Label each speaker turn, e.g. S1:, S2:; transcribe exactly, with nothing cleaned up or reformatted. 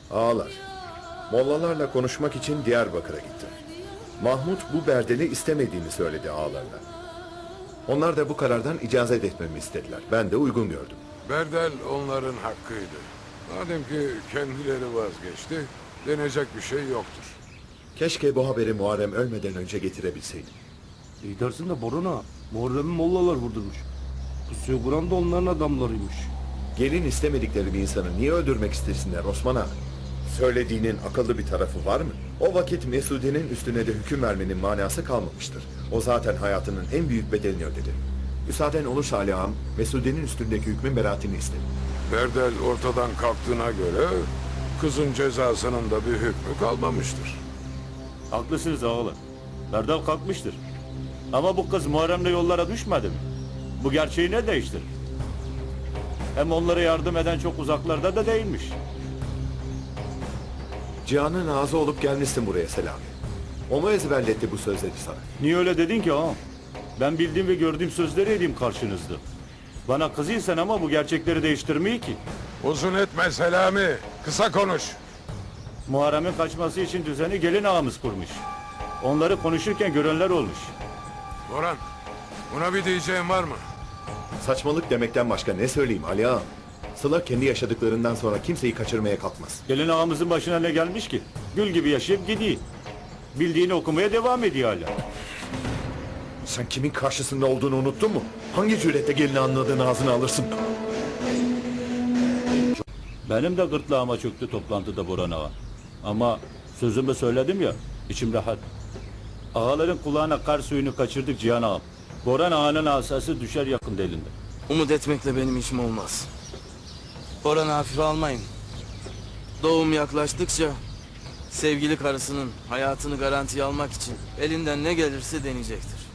S1: Ağalar, mollalarla konuşmak için Diyarbakır'a gittim. Mahmut bu berdeli istemediğini söyledi ağalarına. Onlar da bu karardan icazet etmemi istediler. Ben de uygun gördüm.
S2: Berdel onların hakkıydı. Madem ki kendileri vazgeçti, denecek bir şey yoktur.
S1: Keşke bu haberi Muharrem ölmeden önce getirebilseydim.
S3: İyi dersin de Borana, Muharrem'i mollalar vurdurmuş. Pusuyu kuran da onların adamlarıymış.
S1: Gelin istemedikleri bir insanı niye öldürmek istesinler Osman Ağa? Söylediğinin akıllı bir tarafı var mı? O vakit Mesude'nin üstüne de hüküm vermenin manası kalmamıştır. O zaten hayatının en büyük bedelini ödedi. Müsaaden olursa Ali Ağam, Mesude'nin üstündeki hükmün beraatini istedim.
S2: Berdel ortadan kalktığına göre kızın cezasının da bir hükmü kalmamıştır.
S4: Haklısınız ağalar. Berdal kalkmıştır. Ama bu kız Muharrem'le yollara düşmedi mi? Bu gerçeği ne değiştirir? Hem onlara yardım eden çok uzaklarda da değilmiş.
S1: Cihan'ın ağzı olup gelmişsin buraya Selami. O mu ezberletti bu sözleri sana?
S4: Niye öyle dedin ki ağam? Ben bildiğim ve gördüğüm sözleri edeyim karşınızda. Bana kızıysan ama bu gerçekleri değiştirmeyi ki.
S2: Uzun etme Selami, kısa konuş.
S4: Muharrem'in kaçması için düzeni gelin ağamız kurmuş. Onları konuşurken görenler olmuş.
S2: Boran, buna bir diyeceğin var mı?
S1: Saçmalık demekten başka ne söyleyeyim Ali Ağam? Sıla kendi yaşadıklarından sonra kimseyi kaçırmaya kalkmaz.
S4: Gelin ağamızın başına ne gelmiş ki? Gül gibi yaşayıp gidiyor. Bildiğini okumaya devam ediyor hala.
S1: Sen kimin karşısında olduğunu unuttun mu? Hangi cüretle gelini anladığını ağzına alırsın?
S4: Benim de gırtlağıma çöktü toplantıda Boran ağa. Ama sözümü söyledim ya, içim rahat. Ağaların kulağına kar suyunu kaçırdık Cihan ağam. Boran ağanın asası düşer yakında elinde.
S5: Umut etmekle benim işim olmaz. Boran'ı hafife almayın. Doğum yaklaştıkça sevgili karısının hayatını garantiye almak için elinden ne gelirse deneyecektir.